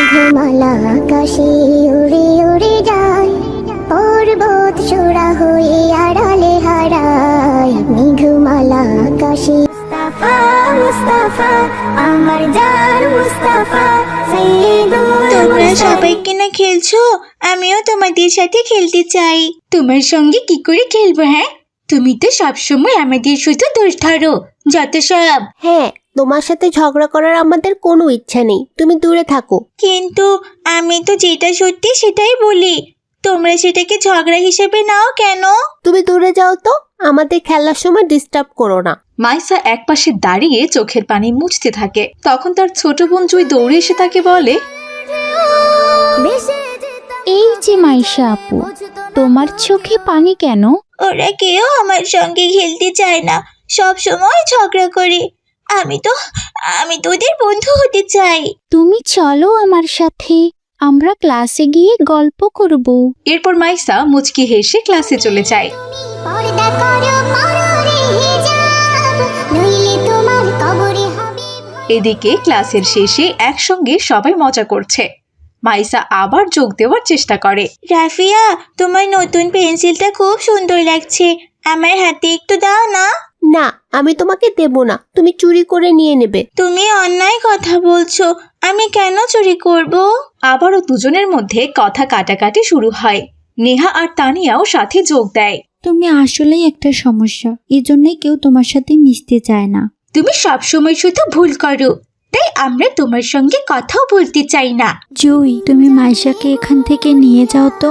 মেঘমালা আকাশে উড়ে উড়ে যায়, পর্বত চূড়া হয়ে আড়ালে হারায়। মেঘমালা আকাশে মুস্তাফা মুস্তাফা আমার জান মুস্তাফা তোমরা সবাই কিনা খেলছো, আমিও তোমাদের সাথে খেলতে চাই। তোমার সঙ্গে কি করে খেলবো? হ্যাঁ, তুমি তো সবসময় আমাদের শুধু দোষ ধরো, যত সব। হ্যাঁ, তোমার সাথে ঝগড়া করার আমাদের কোনো ইচ্ছা নেই, তুমি দূরে থাকো। কিন্তু আমি তো যেটা সত্যি সেটাই বলি, তোমরা সেটাকে ঝগড়া হিসেবে নাও কেন? তুমি দূরে যাও তো, আমাদের খেলার সময় ডিস্টার্ব করো না। মাইসা একপাশে দাঁড়িয়ে চোখের পানি মুছতে থাকে। তখন তার ছোট বোন জুই দৌড়ে এসে তাকে বলে, এই যে মাইশা আপু, তোমার চোখে পানি কেন? ওরা কেউ আমার সঙ্গে খেলতে চায় না, সব সময় ঝগড়া করে। আমি তো ওদের বন্ধু হতে চাই। তুমি চলো আমার সাথে, আমরা ক্লাসে গিয়ে গল্প করব। এরপর মাইসা মুচকি হেসে ক্লাসে চলে যায়। পর্দা করো পররে হিজাব, নইলে তোমার কবরে হবে। এদিকে ক্লাসের শেষে একসঙ্গে সবাই মজা করছে। মাইসা আবার যোগ দেওয়ার চেষ্টা করে। রাফিয়া, তোমার নতুন পেন্সিলটা খুব সুন্দর লাগছে, আমার হাতে একটু দাও না। না, আমি তোমাকে দেব না, তুমি চুরি করে নিয়ে নেবে। তুমি অন্যায় কথা বলছো, আমি কেন চুরি করব? আবারও দুজনের মধ্যে কথা কাটাকাটি শুরু হয়। নেহা আর তানিয়াও সাথে যোগ দেয়। তুমি আসলেই একটা সমস্যা, এজন্যই কেউ তোমার সাথে মিশতে চায় না। তুমি সবসময় শুধু ভুল করো, তাই আমরা তোমার সঙ্গে কথাও বলতে চাই না। জুই, তুমি মাইশাকে এখান থেকে নিয়ে যাও তো।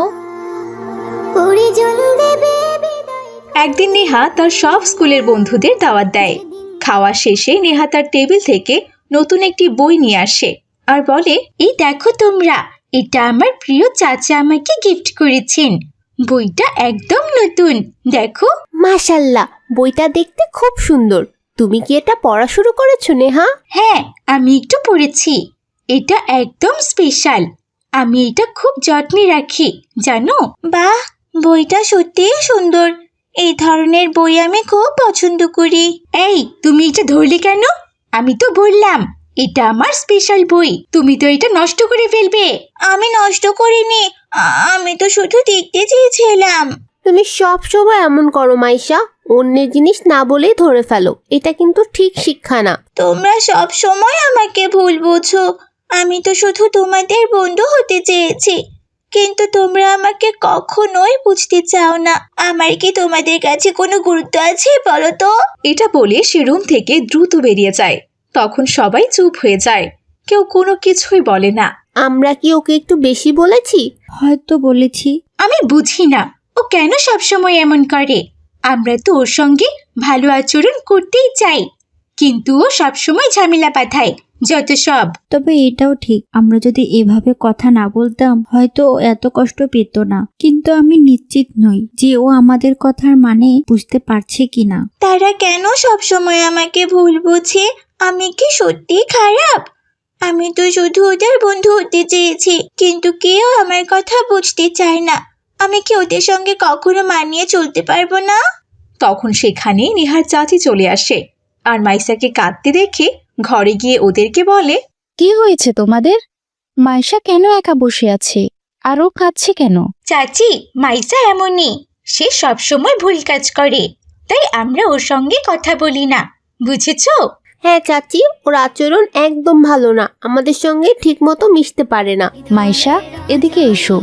পুরি জল দেবে বিদায়। একদিন নেহা তার সব স্কুলের বন্ধুদের দাওয়াত দেয়। খাওয়া শেষে নেহা তার টেবিল থেকে নতুন একটি বই নিয়ে আসে আর বলে, এই দেখো তোমরা, এটা আমার প্রিয় চাচা আমাকে গিফট করেছেন। বইটা একদম নতুন, দেখো। মাশাল্লাহ, বইটা দেখতে খুব সুন্দর। তুমি কি এটা পড়া শুরু করেছো নেহা? হ্যাঁ, আমি একটু পড়েছি। এটা একদম স্পেশাল, আমি এটা খুব যত্নে রাখি, জানো। বাহ, বইটা সত্যিই সুন্দর। এই ধরনের বই আমি খুব পছন্দ করি। এই, তুমি এটা ধরলে কেন? আমি তো বললাম এটা আমার স্পেশাল বই, তুমি তো এটা নষ্ট করে ফেলবে। আমি নষ্ট করিনি, আমি তো শুধু দেখতে চেয়েছিলাম। তুমি সব সময় এমন করো মাইশা, অন্যের জিনিস না বলেই ধরে ফেলো, এটা কিন্তু ঠিক শিক্ষা না। তোমরা সব সময় আমাকে ভুল বোঝো, আমি তো শুধু তোমাদের বন্ধু হতে চেয়েছি, কিন্তু তোমরা আমাকে কখনোই বুঝতে চাও না। আমার কি তোমাদের কাছে কোনো গুরুত্ব আছে বলো তো? এটা বলে সে রুম থেকে দ্রুত বেরিয়ে যায়। তখন সবাই চুপ হয়ে যায়, কেউ কোনো কিছুই বলে না। আমরা কি ওকে একটু বেশি বলেছি? হয়তো বলেছি। আমি বুঝি না ও কেন সবসময় এমন করে। আমরা তো ওর সঙ্গে ভালো আচরণ করতেই চাই, কিন্তু ও সবসময় ঝামেলা পাঠায়, যত সব। তবে এটাও ঠিক, আমরা যদি এভাবে কথা না বলতাম হয়তো ও এত কষ্ট পেত না। কিন্তু আমি নিশ্চিত নই যে ও আমাদের কথার মানে বুঝতে পারছে কিনা। তারা কেন সবসময় আমাকে ভুল বোঝে? আমি কি সত্যি খারাপ? আমি তো শুধু ওদের বন্ধু হতে চেয়েছি, কিন্তু কেউ আমার কথা বুঝতে চায় না। আমি কি ওদের সঙ্গে কখনো মানিয়ে চলতে পারবো না? তখন সেখানে নেহার চাচি চলে আসে আর মাইসাকে কাঁদতে দেখে ঘরে গিয়ে ওদেরকে বলে, কি হয়েছে তোমাদের? মাইশা কেন একা বসে আছে আর ও কাঁদছে কেন? চাচি, মাইসা এমনই, সে সবসময় ভুল কাজ করে, তাই আমরা ওর সঙ্গে কথা বলি না, বুঝেছো? হ্যাঁ চাচি, ওর আচরণ একদম ভালো না, আমাদের সঙ্গে ঠিক মতো মিশতে পারে না। মাইশা, এদিকে এসো।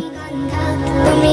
তুমি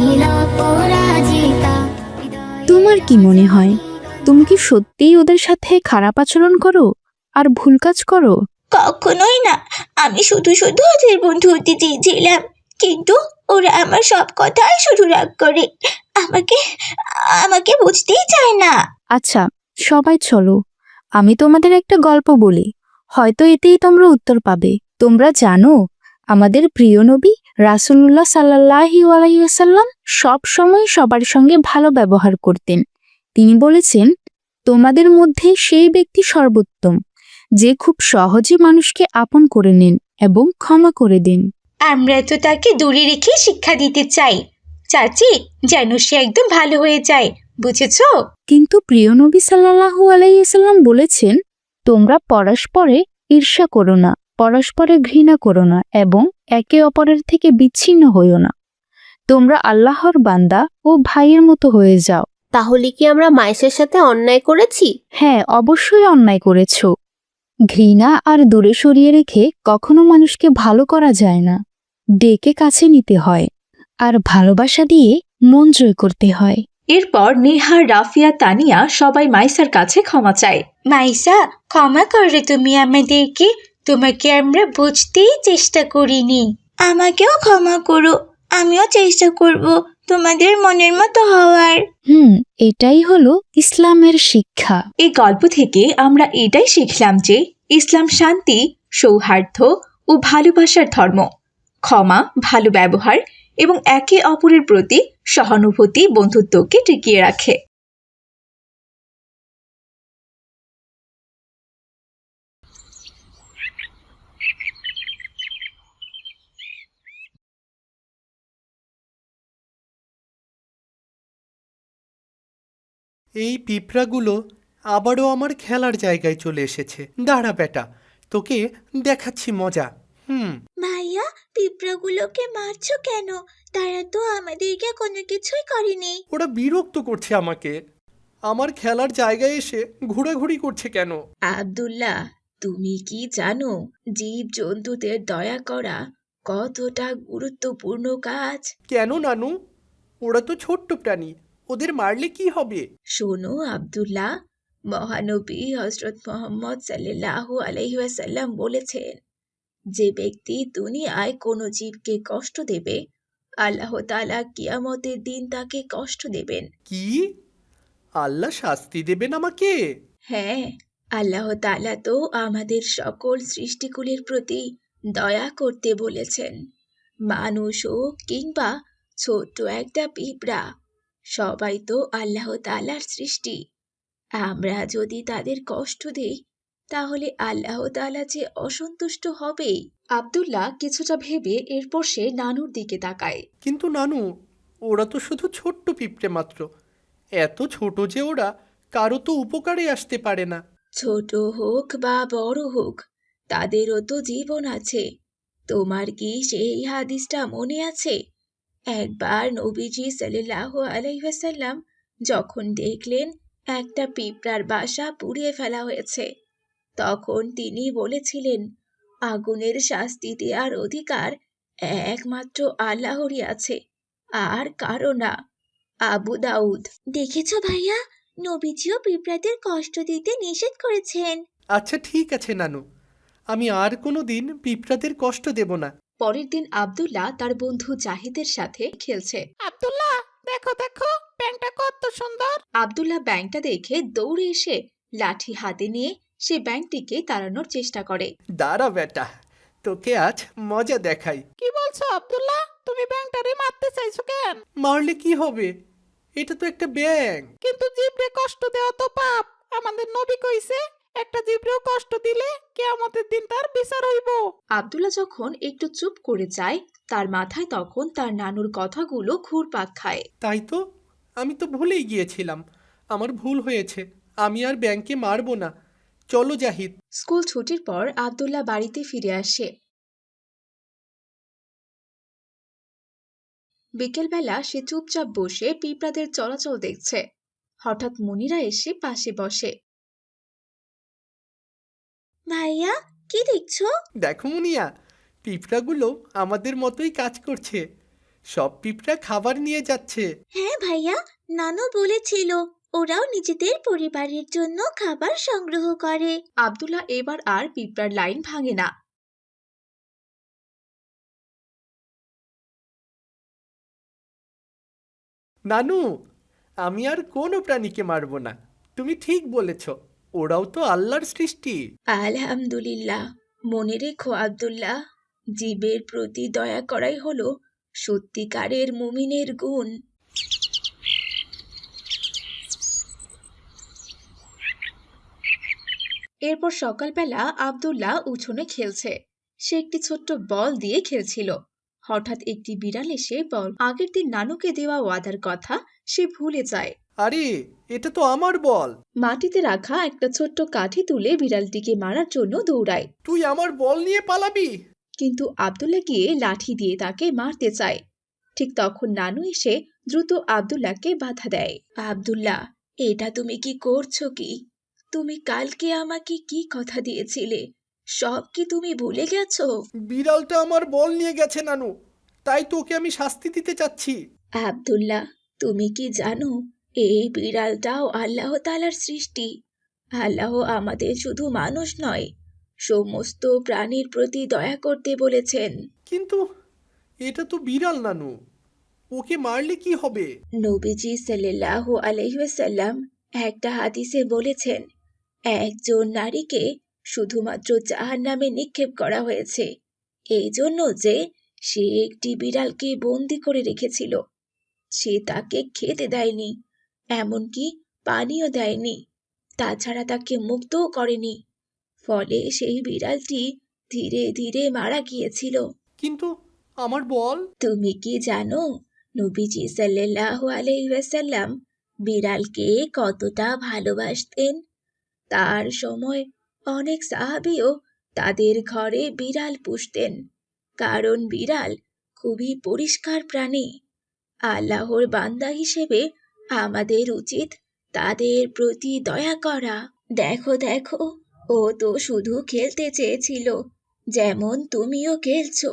নিরপরাজিতা। তোমার কি মনে হয়, তুমি কি সত্যিই ওদের সাথে খারাপ আচরণ করো আর ভুল কাজ করো? কখনোই না, আমি শুধু শুধু ওদের বন্ধু হতে চেয়েছিলাম, কিন্তু ওরা আমার সব কথাই শুধু রাগ করে, আমাকে আমাকে বুঝতেই চায় না। আচ্ছা, সবাই চলো, আমি তোমাদের একটা গল্প বলি, হয়তো এতেই তোমরা উত্তর পাবে। তোমরা জানো, আমাদের প্রিয় নবী রাসূলুল্লাহ সাল্লাল্লাহু আলাইহি ওয়াসাল্লাম সব সময় সবার সঙ্গে ভালো ব্যবহার করতেন। তিনি বলেছেন, তোমাদের মধ্যে সেই ব্যক্তি সর্বোত্তম যে খুব সহজে মানুষকে আপন করে নেন এবং ক্ষমা করে দেন। আমরা তো তাকে দূরে রেখে শিক্ষা দিতে চাই, চাচি, যেন সে একদম ভালো হয়ে যায়, বুঝেছো? কিন্তু প্রিয় নবী সাল্লাল্লাহু আলাইহি ওয়াসাল্লাম বলেছেন, তোমরা পরস্পরে ঈর্ষা করো না পরস্পরের ঘৃণা করো না এবং একে অপরের থেকে বিচ্ছিন্ন হইও না। তোমরা আল্লাহর বান্দা ও ভাইয়ের মতো হয়ে যাও। তাহলে কি আমরা মায়েশার সাথে অন্যায় করেছি? হ্যাঁ, অবশ্যই অন্যায় করেছ। ঘৃণা আর দূরে সরিয়ে রেখে কখনো মানুষকে ভালো করা যায় না। ডেকে কাছে নিতে হয় আর ভালোবাসা দিয়ে মন জয় করতে হয়। এরপর নেহা, রাফিয়া, তানিয়া সবাই মাইসার কাছে ক্ষমা চায়। মাইসা, ক্ষমা করো তুমি আমাদেরকে, তোমাকে আমরা বুঝতেই চেষ্টা করিনি। আমাকেও ক্ষমা করো, আমিও চেষ্টা করব তোমাদের মনের মতো হওয়ার। এটাই হলো ইসলামের শিক্ষা। এই গল্প থেকে আমরা এটাই শিখলাম যে ইসলাম শান্তি, সৌহার্দ্য ও ভালোবাসার ধর্ম। ক্ষমা, ভালো ব্যবহার এবং একে অপরের প্রতি সহানুভূতি বন্ধুত্বকে টিকিয়ে রাখে। এই পিঁপড়াগুলো আবারও আমার খেলার জায়গায় চলে এসেছে। দাঁড়া বেটা, তোকে দেখাচ্ছি মজা। ভাইয়া, পিঁপড়াগুলোকে মারছো কেন? তারা তো আমাদেরকে কোনো কিছুই করেনি। ওরা বিরক্ত করছে আমাকে। আমার খেলার জায়গায় এসে ঘোরাঘুরি করছে কেন? আব্দুল্লাহ, তুমি কি জানো জীব জন্তুদের দয়া করা কতটা গুরুত্বপূর্ণ কাজ? কেন নানু? ওরা তো ছোট্ট প্রাণী, ওদের মারলে কি হবে? শোনো আব্দুল্লাহ, মহানবী হযরত মুহাম্মদ সাল্লাল্লাহু আলাইহি ওয়াসাল্লাম বলেছেন, যে ব্যক্তি দুনিয়ায় কোনো জীবকে কষ্ট দেবে, আল্লাহ তাআলা কিয়ামতের দিন তাকে কষ্ট দেবেন। কি? আল্লাহ শাস্তি দেবেন আমাকে? হ্যাঁ, আল্লাহ তাআলা তো আমাদের সকল সৃষ্টিকুলের প্রতি দয়া করতে বলেছেন। মানুষ হোক কিংবা ছোট্ট একটা পিঁপড়া, সবাই তো আল্লাহ তাআলার সৃষ্টি। আমরা যদি তাদের কষ্ট দিই, তাহলে আল্লাহ তাআলা যে অসন্তুষ্ট হবেই। আব্দুল্লাহ কিছুটা ভেবে এরপর সে নানুর দিকে তাকায়। কিন্তু নানু, ওরা তো শুধু ছোট্ট পিঁপড়ে মাত্র। এত ছোট যে ওরা কারো তো উপকারে আসতে পারে না। ছোট হোক বা বড় হোক, তাদেরও তো জীবন আছে। তোমার কি সেই হাদিসটা মনে আছে? একবার নবীজি সাল্লাল্লাহু আলাইহি ওয়াসাল্লাম যখন দেখলেন একটা পিঁপড়ার বাসা পুড়িয়ে ফেলা হয়েছে, তখন তিনি বলেছিলেন, আগুনের শাস্তি দেওয়ার অধিকার একমাত্র আল্লাহরই আছে, আর কারো না। আবু দাউদ। দেখেছো ভাইয়া, নবীজিও পিঁপড়াদের কষ্ট দিতে নিষেধ করেছেন। আচ্ছা ঠিক আছে নানু, আমি আর কোনো দিন পিঁপড়াদের কষ্ট দেব না। পরের দিন আব্দুল্লাহ তার বন্ধু জাহিদের সাথে খেলছে। আব্দুল্লাহ, দেখো দেখো, ব্যাংকটা কত সুন্দর। আব্দুল্লাহ ব্যাংকটা দেখে দৌড়ে এসে লাঠি হাতে নিয়ে সে ব্যাংকটিকে তাড়ানোর চেষ্টা করে। দাঁড়া বেটা, তোকে আজ মজা দেখাই। কি বলছো আব্দুল্লাহ? তুমি ব্যাংকটারে মারতে চাইছো কেন? মারলে কি হবে? এটা তো একটা ব্যাঙ। কিন্তু জিবরে কষ্ট দেওয়া তো পাপ। আমাদের নবী কইছে, একটা জিবরেও কষ্ট দিলে কিয়ামতের দিন তার বিচার হইব। আব্দুল্লাহ যখন একটু চুপ করে যায়, তার মাথায় তখন তার নানুর কথাগুলো ঘুরপাক খায়। তাই তো, আমি তো ভুলেই গিয়েছিলাম। আমার ভুল হয়েছে, আমি আর ব্যাংকে মারবো না। চলো জাহিদ। স্কুল ছুটির পর আব্দুল্লাহ বাড়িতে ফিরে আসে। বিকেলবেলা সে চুপচাপ বসে পিঁপড়াদের চলাচল দেখছে। হঠাৎ মুনিরা এসে পাশে বসে। ভাইয়া, কি দেখছো? দেখো মুনিয়া, পিঁপড়াগুলো আমাদের মতোই কাজ করছে। সব পিঁপড়া খাবার নিয়ে যাচ্ছে। হ্যাঁ ভাইয়া, নানু বলেছিল ওরাও নিজেদের পরিবারের জন্য খাবার সংগ্রহ করে। আব্দুল্লাহ এবার আর পিঁপড়ার লাইন ভাঙে না। নানু, আমি আর কোনো প্রাণীকে মারবো না। তুমি ঠিক বলেছ, ওরাও তো আল্লাহর সৃষ্টি। আলহামদুলিল্লাহ। মনে রেখো আব্দুল্লাহ, জীবের প্রতি দয়া করাই হলো সত্যিকারের মুমিনের গুণ। এরপর সকালবেলা আব্দুল্লাহ উঠোনে খেলছে। সে একটি ছোট্ট বল দিয়ে খেলছিল। হঠাৎ একটি বিড়াল এসে আগের দিন নানুকে দেওয়া ওয়াদার কথা সে ভুলে যায়। আরে এটা তো আমার বল। মাটিতে রাখা একটা ছোট্ট কাঠি তুলে বিড়ালটিকে মারার জন্য দৌড়ায়, তুই আমার বল নিয়ে পালাবি? কিন্তু আব্দুল্লাহ গিয়ে লাঠি দিয়ে তাকে মারতে চায়। ঠিক তখন নানু এসে দ্রুত আব্দুল্লাহকে বাধা দেয়। আব্দুল্লাহ, এটা তুমি কি করছো কি? তুমি কালকে আমাকে কি কথা দিয়েছিলে, সব কি তুমি ভুলে গেছো? বিড়ালটা আমার বল নিয়ে গেছে নানু, তাই তোকে আমি শাস্তি দিতে চাচ্ছি। আব্দুল্লাহ, তুমি কি জানো এই বিড়ালটাও আল্লাহ তাআলার সৃষ্টি? আল্লাহ আমাদের শুধু মানুষ নয়, সমস্ত প্রাণীর প্রতি দয়া করতে বলেছেন। কিন্তু এটা তো বিড়াল নানু, ওকে মারলে কি হবে? নবীজি সাল্লাল্লাহু আলাইহি ওয়াসাল্লাম একটা হাদিসে বলেছেন, একজন নারীকে শুধুমাত্র জাহান্নামে নিক্ষেপ করা হয়েছে এই জন্য যে সে একটি বিড়ালকে বন্দি করে রেখেছিল। সে তাকে খেতে দেয়নি, এমনকি পানিও দেয়নি, তাছাড়া তাকে মুক্তও করেনি। ফলে সেই বিড়ালটি ধীরে ধীরে মারা গিয়েছিল। কিন্তু আমার বল? তুমি কি জানো নবীজি সাল্লাল্লাহু আলাইহি ওয়াসাল্লাম বিড়ালকে কতটা ভালোবাসতেন? তার সময় অনেক সাহাবীও তাদের ঘরে বিড়াল পুষতেন, কারণ বিড়াল খুবই পরিষ্কার প্রাণী। আল্লাহর বান্দা হিসেবে আমাদের উচিত তাদের প্রতি দয়া করা। দেখো দেখো, ও তো শুধু খেলতে চেয়েছিল, যেমন তুমিও খেলছো।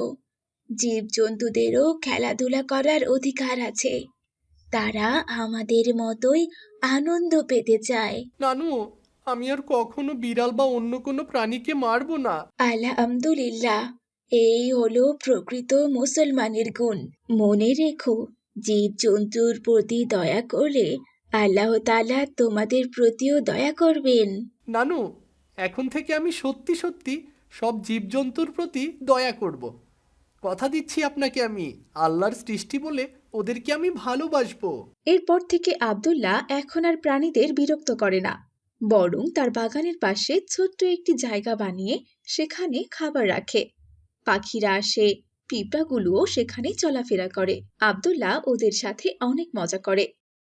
জীবজন্তুদেরও খেলাধুলা করার অধিকার আছে, তারা আমাদের মতোই আনন্দ পেতে চায়। নানু, আমি আর কখনো বিড়াল বা অন্য কোনো প্রাণীকে মারবো না। আলহামদুলিল্লাহ, এই হলো প্রকৃত মুসলমানের গুণ। মনে রেখো, জীবজন্তুর প্রতি দয়া করলে আল্লাহ তাআলা তোমাদের প্রতিও দয়া করবেন। নানু, এখন থেকে আমি সত্যি সত্যি সব জীবজন্তুর প্রতি দয়া করব। কথা দিচ্ছি আপনাকে, আমি আল্লাহর সৃষ্টি বলে ওদেরকে আমি ভালোবাসবো। এরপর থেকে আব্দুল্লাহ এখন আর প্রাণীদের বিরক্ত করে না, বরং তার বাগানের পাশে ছোট্ট একটি জায়গা বানিয়ে সেখানে খাবার রাখে। পাখিরা আসে, পিঁপড়াগুলোও সেখানে চলাফেরা করে। আব্দুল্লাহ ওদের সাথে অনেক মজা করে।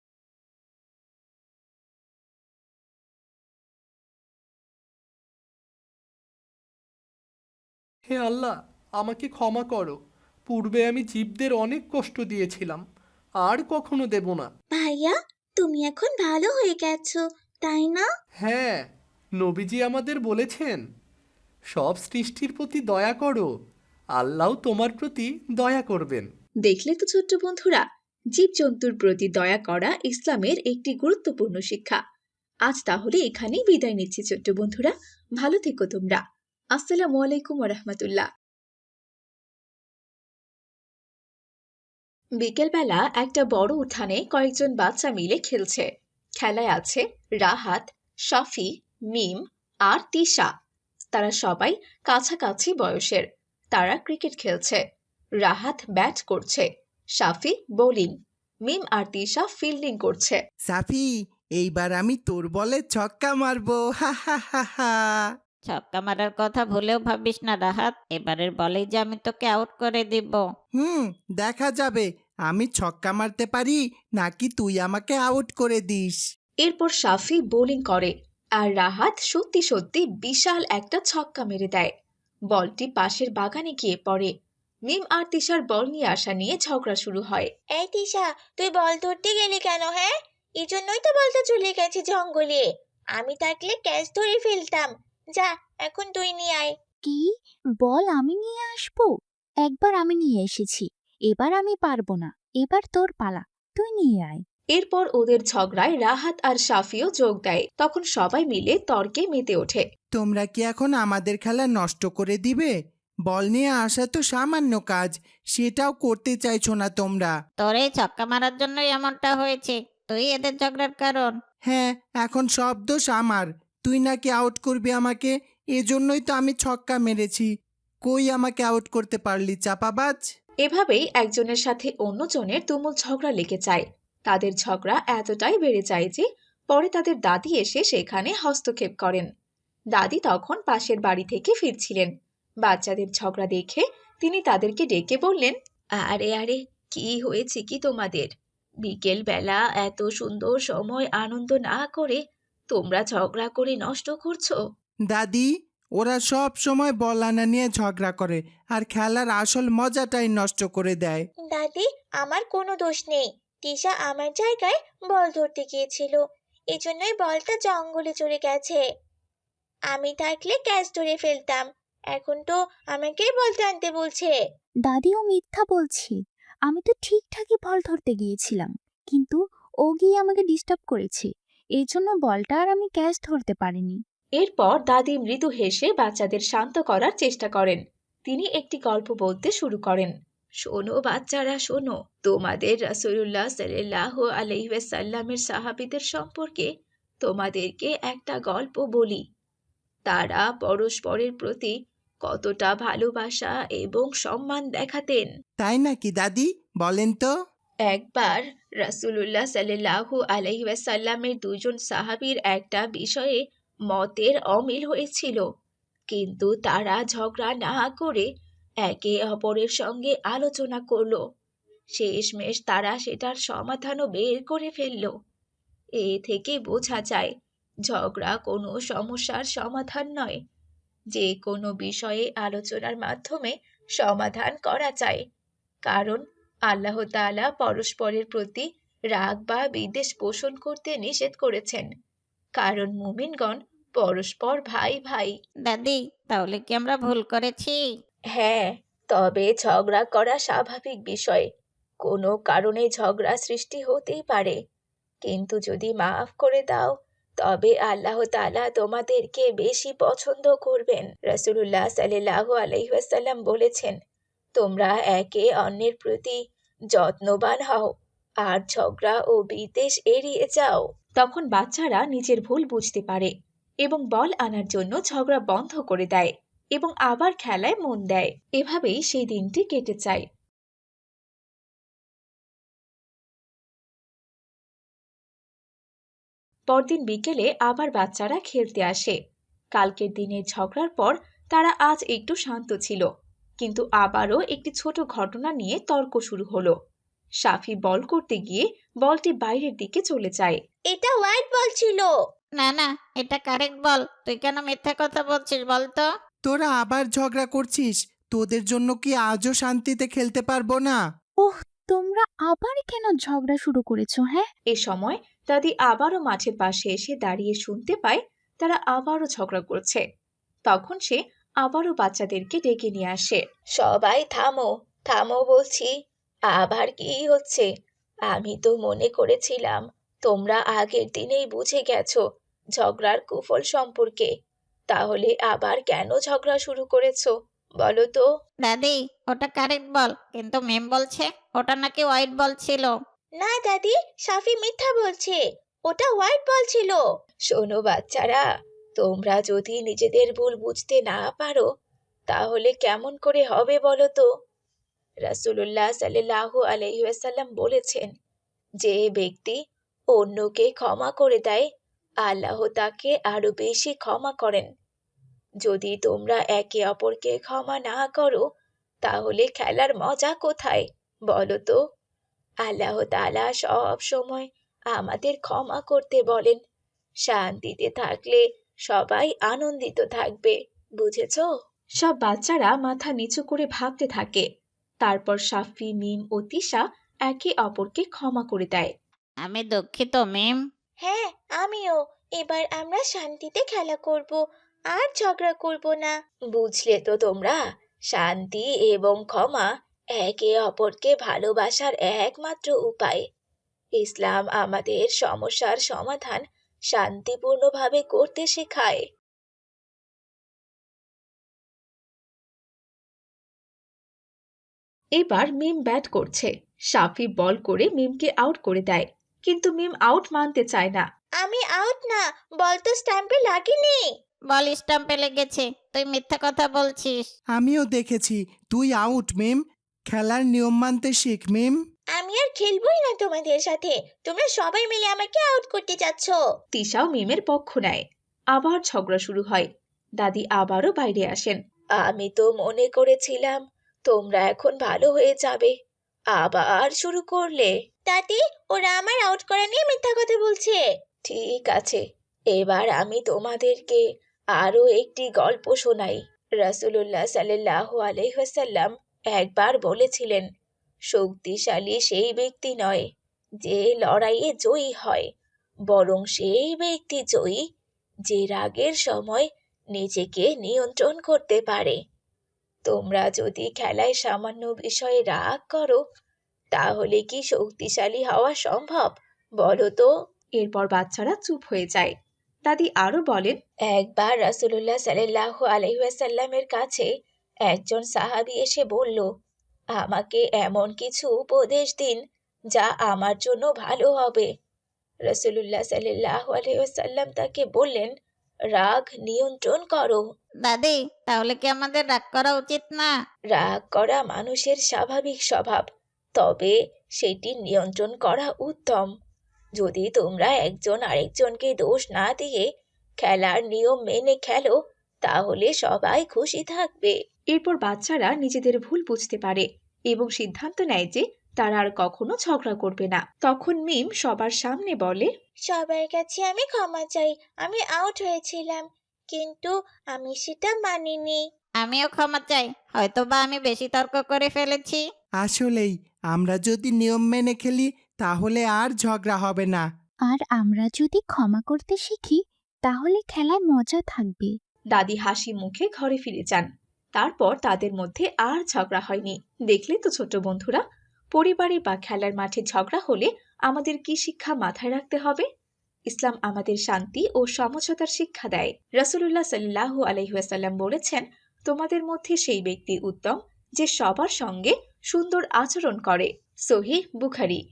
হে আল্লাহ, আমাকে ক্ষমা করো। পূর্বে আমি জীবদের অনেক কষ্ট দিয়েছিলাম, আর কখনো দেব না। ভাইয়া, তুমি এখন ভালো হয়ে গেছো, তাই না? হ্যাঁ, নবীজি আমাদের বলেছেন, সব সৃষ্টির প্রতি দয়া করো, আল্লাহ তোমার প্রতি দয়া করবেন। দেখলে তো ছোট্ট বন্ধুরা, জীবজন্তুর প্রতি দয়া করা ইসলামের একটি গুরুত্বপূর্ণ শিক্ষা। আজ তাহলে এখানেই বিদায় নিচ্ছি ছোট্ট বন্ধুরা, ভালো থেকো তোমরা। আসসালামু আলাইকুম ওয়া রাহমাতুল্লাহ। বিকেলবেলা একটা বড় উঠানে কয়েকজন বাচ্চা মিলে খেলছে। খেলায় আছে রাহাত, শাফি, মিম আর তিশা। তারা সবাই কাছাকাছি বয়সের। তারা ক্রিকেট খেলছে। রাহাত ব্যাট করছে, শাফি বোলিং, মিম আর তিশা ফিল্ডিং করছে। সাফি, এইবার আমি তোর বলে ছক্কা মারবো, হা হা হা হা। ছক্কা মারার কথা ভুলেও ভাবিস না রাহাত, এবারের বলেই যে আমি তোকে আউট করে দিব। দেখা যাবে আমি ছক্কা মারতে পারি নাকি তুই আমাকে আউট করে দিস। এরপর শাফি বোলিং করে আর রাহাত সত্যি সত্যি বিশাল একটা ছক্কা মেরে দেয়। বলটি পাশের বাগানে গিয়ে পড়ে। মিম আর তিশার বল নিয়ে আসা নিয়ে ঝগড়া শুরু হয়। এই তিশা, তুই বল ধরতে গেলি কেন? হ্যাঁ, এই জন্যই তো বলটা চলে গেছে জঙ্গলে। আমি থাকলে ক্যাচ ধরে ফেলতাম। যা, এখন তুই নিয়ে আয়। কি? বল আমি নিয়ে আসবো? একবার আমি নিয়ে এসেছি, এবার আমি পারবো না। এবার তোর পালা, তুই নিয়ে আয়। এরপর ওদের ঝগড়ায় রাহাত আর শাফিও যোগ দেয়। তখন সবাই মিলে তর্কে মেতে ওঠে। তোমরা কি এখন আমাদের খেলা নষ্ট করে দিবে? বল নিয়ে আসা তো সামান্য কাজ, সেটাও করতে চাইছো না তোমরা। তোর এই ছক্কা মারার জন্যই এমনটা হয়েছে, তুই এদের ঝগড়ার কারণ। হ্যাঁ, এখন সব দোষ আমার। তুই নাকি আউট করবি আমাকে, এজন্যই তো আমি ছক্কা মেরেছি। কই আমাকে আউট করতে পারলি চাপাবাজ? এভাবেই একজনের সাথে অন্যজনের তুমুল ঝগড়া লেগে যায়। তাদের ঝগড়া এতটাই বেড়ে যায় যে পরে তাদের দাদি এসে সেখানে হস্তক্ষেপ করেন। দাদি তখন পাশের বাড়ি থেকে ফিরছিলেন। বাচ্চাদের ঝগড়া দেখে তিনি তাদেরকে ডেকে বললেন, আরে আরে, কি হয়েছে কি তোমাদের? বিকেল বেলা এত সুন্দর সময় আনন্দ না করে তোমরা ঝগড়া করে নষ্ট করছো। দাদি, ওরা সব সময় বল আনা নিয়ে ঝগড়া করে আর খেলার আসল মজাটাই নষ্ট করে দেয়। দাদি, আমার কোনো দোষ নেই। তিশা আমার জায়গায় বল ধরতে গিয়েছিল, এজন্যই বলটা জঙ্গলে চলে গেছে। আমি থাকলে ক্যাচ ধরে ফেলতাম। এখন তো আমাকেই বলতে আনতে বলছে। দাদিও মিথ্যা বলছে। আমি তো ঠিকঠাকই বল ধরতে গিয়েছিলাম, কিন্তু ও গিয়ে আমাকে ডিস্টার্ব করেছে। এই জন্য বলটা আর আমি ক্যাচ ধরতে পারিনি। এরপর দাদি মৃদু হেসে বাচ্চাদের শান্ত করার চেষ্টা করেন। তিনি একটি গল্প বলতে শুরু করেন। শোনো বাচ্চারা, শোনো, তোমাদের রাসূলুল্লাহ সাল্লাল্লাহু আলাইহি ওয়াসাল্লামের সাহাবীদের সম্পর্কে তোমাদেরকে একটা গল্প বলি। তারা পরস্পরের প্রতি কতটা ভালোবাসা এবং সম্মান দেখাতেন। তাই নাকি দাদি? বলেন তো। একবার রাসূলুল্লাহ সাল্লাল্লাহু আলাইহি ওয়াসাল্লামের দুজন সাহাবীর একটা বিষয়ে মতের অমিল হয়েছিল, কিন্তু তারা ঝগড়া না করে একে অপরের সঙ্গে আলোচনা করলো। শেষমেশ তারা সেটার সমাধানও বের করে ফেললো। এ থেকে বোঝা যায় ঝগড়া কোনো সমস্যার সমাধান নয়, যে কোনো বিষয়ে আলোচনার মাধ্যমে সমাধান করা যায়। কারণ আল্লাহ তাআলা পরস্পরের প্রতি রাগ বা বিদ্বেষ পোষণ করতে নিষেধ করেছেন, কারণ মুমিনগণ পরস্পর ভাই ভাই। দাদি, তাহলে কি আমরা ভুল করেছি? হ্যাঁ, তবে ঝগড়া করা স্বাভাবিক বিষয়। কোনো কারণে ঝগড়া সৃষ্টি হতেই পারে, কিন্তু যদি মাফ করে দাও তবে আল্লাহ তাআলা তোমাদেরকে বেশি পছন্দ করবেন। রাসূলুল্লাহ সাল্লাল্লাহু আলাইহি ওয়াসাল্লাম বলেছেন, তোমরা একে অন্যের প্রতি যত্নবান হও আর ঝগড়া ও বিদ্বেষ এড়িয়ে যাও। তখন বাচ্চারা নিজের ভুল বুঝতে পারে এবং বল আনার জন্য ঝগড়া বন্ধ করে দেয় এবং আবার খেলায় মন দেয়। এভাবেই সেই দিনটি কেটে যায়। পরদিন বিকেলে আবার বাচ্চারা খেলতে আসে। কালকের দিনের ঝগড়ার পর তারা আজ একটু শান্ত ছিল, কিন্তু আবারও একটি ছোট ঘটনা নিয়ে তর্ক শুরু হলো। সাফি বল করতে গিয়ে বলটি বাইরের দিকে চলে যায়। এটা হোয়াইট বল ছিল। না না, এটা কারেক্ট বল। তুই কেন মিথ্যা কথা বলছিস বল তো? তোরা আবার ঝগড়া করছিস? তোদের জন্য কি আজও শান্তিতে খেলতে পারবো না? ওহ, তোমরা আবার কেন ঝগড়া শুরু করেছো? হ্যাঁ, এ সময় দাদি আবারও মাঠের পাশে এসে দাঁড়িয়ে শুনতে পায় তারা আবারও ঝগড়া করছে। তখন সে আবারও বাচ্চাদেরকে ডেকে নিয়ে আসে। সবাই থামো, থামো বলছি। আবার কি হচ্ছে? আমি তো মনে করেছিলাম তোমরা আগের দিনেই বুঝে গেছো ঝগড়ার কুফল সম্পর্কে। তাহলে আবার কেন ঝগড়া শুরু করেছো বলো তো? দাদি, ওটা কারেক্ট বল, কিন্তু মেম বলছে ওটা নাকি হোয়াইট বল ছিল। না দাদি, সাফি মিথ্যা বলছে। ওটা হোয়াইট বল ছিল। শোনো বাচ্চারা, তোমরা যদি নিজেদের ভুল বুঝতে না পারো তাহলে কেমন করে হবে বলো তো? রাসূলুল্লাহ সাল্লাল্লাহু আলাইহি ওয়াসাল্লাম বলেছেন, যে ব্যক্তি অন্যকে ক্ষমা করে দেয় আল্লাহ তাকে আরো বেশি ক্ষমা করেন। যদি তোমরা একে অপরকে ক্ষমা না করো তাহলে খেলার মজা কোথায় বলো তো? আল্লাহ তাআলা সব সময় আমাদের ক্ষমা করতে বলেন। শান্তিতে থাকলে সবাই আনন্দিত থাকবে, বুঝেছো? সব বাচ্চারা মাথা নিচু করে ভাবতে থাকে। তারপর সাফি, মিম ও তিশা একে অপরকে ক্ষমা করে দেয়। আমি দুঃখিত মেম। হ্যাঁ, আমিও। এবার আমরা শান্তিতে খেলা করব, আর ঝগড়া করব না। বুঝলে তো তোমরা, শান্তি এবং ক্ষমা একে অপরকে ভালোবাসার একমাত্র উপায়। ইসলাম আমাদের সমস্যার সমাধান শান্তিপূর্ণভাবে করতে শেখায়। এবার মিম ব্যাট করছে। সাফি বল করে মিমকে আউট করে দেয়, কিন্তু মিম আউট মানতে চায় না। আমি আউট না, বল তো স্ট্যাম্পে লাগেনি। বল স্টাম্পে লেগেছে, তুই মিথ্যা কথা বলছিস। আমিও দেখেছি। তুই আউট মিম। খেলার নিয়ম মানতে শিখ মিম। আমি আর খেলবই না তোমাদের সাথে। তোমরা সবাই মিলে আমাকে আউট করতে যাচ্ছ। তিশাও মিমের পক্ষ নেয়। আবার ঝগড়া শুরু হয়। দাদি আবারও বাইরে আসেন। আমি তো মনে করেছিলাম তোমরা এখন ভালো হয়ে যাবে, আবার শুরু করলে। দাদি, ওরা আমার আউট করা নিয়ে মিথ্যা কথা বলছে। ঠিক আছে, এবার আমি তোমাদেরকে আরো একটি গল্প শোনাই। রাসূলুল্লাহ সাল্লাল্লাহু আলাইহি ওয়াসাল্লাম একবার বলেছিলেন, শক্তিশালী সেই ব্যক্তি নয় যে লড়াইয়ে জয়ী হয়, বরং সেই ব্যক্তি জয়ী যে রাগের সময় নিজেকে নিয়ন্ত্রণ করতে পারে। তোমরা যদি খেলায় সামান্য বিষয়ে রাগ করো, তাহলে কি শক্তিশালী হওয়া সম্ভব বলো তো? এরপর বাচ্চারা চুপ হয়ে যায়। দাদি আরো বলেন, একবার রাসূলুল্লাহ সাল্লাল্লাহু আলাইহি ওয়াসাল্লামের কাছে একজন সাহাবী এসে বলল, আমাকে এমন কিছু উপদেশ দিন যা আমার জন্য ভালো হবে। রাসূলুল্লাহ সাল্লাল্লাহু আলাইহি ওয়াসাল্লাম তাকে বললেন, রাগ নিয়ন্ত্রণ করো। দাদি, তাহলে কি আমাদের রাগ করা উচিত না? রাগ করা মানুষের স্বাভাবিক স্বভাব, তবে সেটি নিয়ন্ত্রণ করা উত্তম। যদি তোমরা একজন আরেকজনকে দোষ না দিয়ে খেলার নিয়ম মেনে খেলো, তাহলে সবাই খুশি থাকবে। এরপর বাচ্চারা নিজেদের ভুল বুঝতে পারে এবং সিদ্ধান্ত নেয় যে তারা আর কখনো ঝগড়া করবে না। তখন মিম সবার সামনে বলে, সবার কাছে আমি ক্ষমা চাই, আমি আউট হয়েছিলাম, কিন্তু আমি সেটা মানিনি। আমিও ক্ষমা চাই, হয়তোবা আমি বেশি তর্ক করে ফেলেছি। আসলেই আমরা যদি নিয়ম মেনে খেলি তাহলে আর ঝগড়া হবে না। আর আমরা যদি ক্ষমা করতে শিখি তাহলে খেলায় মজা থাকবে। দাদি হাসি মুখে ঘরে ফিরে যান। তারপর তাদের মধ্যে আর ঝগড়া হয়নি। দেখলে তো ছোট বন্ধুরা, পরিবারে বা খেলার মাঠে ঝগড়া হলে আমাদের কি শিক্ষা মাথায় রাখতে হবে? ইসলাম আমাদের শান্তি ও সমঝোতার শিক্ষা দেয়। রাসূলুল্লাহ সাল্লাল্লাহু আলাইহি ওয়াসাল্লাম বলেছেন, তোমাদের মধ্যে সেই ব্যক্তি উত্তম যে সবার সঙ্গে সুন্দর আচরণ করে। সহিহ বুখারী।